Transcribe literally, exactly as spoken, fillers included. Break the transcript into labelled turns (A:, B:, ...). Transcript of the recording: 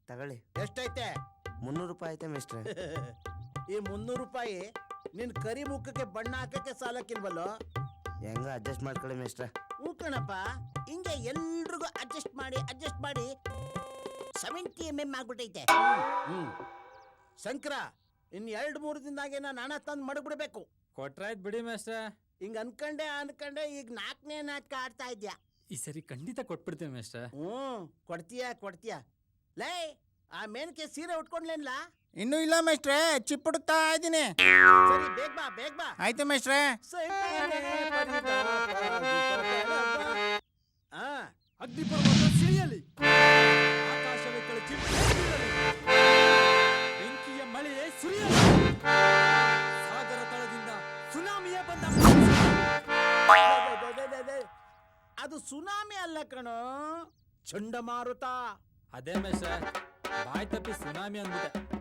A: ತಗೊಳ್ಳಿ.
B: ಎಷ್ಟೈತೆ?
A: ಮುನ್ನೂರು ರೂಪಾಯಿ ಐತೆ ಮೇಷ್ಟ್ರೆ.
B: ಈ ಮುನ್ನೂರು ರೂಪಾಯಿ ನಿನ್ ಕರಿ ಮುಖಕ್ಕೆ ಬಣ್ಣ ಹಾಕಕ್ಕೆ ಸಾಲಕ್ಕಿಲ್ವಲ್ಲೋ?
A: ಹೆಂಗ ಅಡ್ಜಸ್ಟ್ ಮಾಡ್ಕೊಳ್ಳಿ ಮೇಷ್ಟ್ರೆ.
B: ಹ್ಞೂ ಕಣಪ್ಪ, ಹಿಂಗೆ ಎಲ್ರಿಗೂ ಅಡ್ಜಸ್ಟ್ ಮಾಡಿ ಅಡ್ಜಸ್ಟ್ ಮಾಡಿ ಸೆವೆಂಟಿ ಎಮ್ ಎಮ್ ಆಗ್ಬಿಟ್ಟೈತೆ. ಹ್ಮ್ ಶಂಕರ, ಇನ್ ಎರಡು ಮೂರು ದಿನದಾಗೆ ನಾನು ಹಣ ತಂದು ಮಡಗ್ಬಿಡ್ಬೇಕು.
C: ಕೊಟ್ರಾಯ್ತು ಬಿಡಿ ಮೇಷ್ಟ್ರೆ.
B: ಹಿಂಗ ಅನ್ಕಂಡೆ ಅನ್ಕಂಡೆ ಈಗ ನಾಲ್ಕನೇ ನಾಟಕ ಆಡ್ತಾ ಇದ್ಯಾ.
C: ಈ ಸರಿ ಖಂಡಿತ ಕೊಟ್ಬಿಡ್ತೀನಿ ಮೇಷ್ಟ್ರೆ.
B: ಹ್ಮ್ ಕೊಡ್ತೀಯ ಕೊಡ್ತೀಯ. ಲೇ, ಆ ಮೇನಕ್ಕೆ ಸೀರೆ ಉಟ್ಕೊಂಡ್ಲೇನ್ಲ?
D: ಇನ್ನೂ ಇಲ್ಲ ಮೇಷ್ಟ್ರೆ, ಚಿಪ್ಪುಡುತ್ತಾ ಇದ್ದೀನಿ.
B: ಸರಿ, ಬೇಗ ಬಾ ಬೇಗ ಬಾ.
D: ಆಯ್ತು ಮೇಷ್ಟ್ರೆ.
B: ಆ
C: ಅಗ್ನಿಪರ್ವತ ಸಿಡಿಯಲಿ, ಆಕಾಶವೇ ಕಳಚಿ ಬೀಳಲಿ, ಬೆಂಕಿಯ ಮಳೆಯೇ ಸುರಿಯಲಿ, ಸಾಗರ ತಳದಿಂದ ಸುನಾಮಿಯೇ ಬಂದ.
B: ಅದು ಸುನಾಮಿ ಅಲ್ಲ ಕಣೋ, ಚಂಡಮಾರುತ.
C: ಅದೇ ಮೇಷ್ಟ್ರೆ, ಬಾಯ್ ತಪ್ಪಿ ಸುನಾಮಿ ಅಂದ್ಬಿಟ್ಟೆ.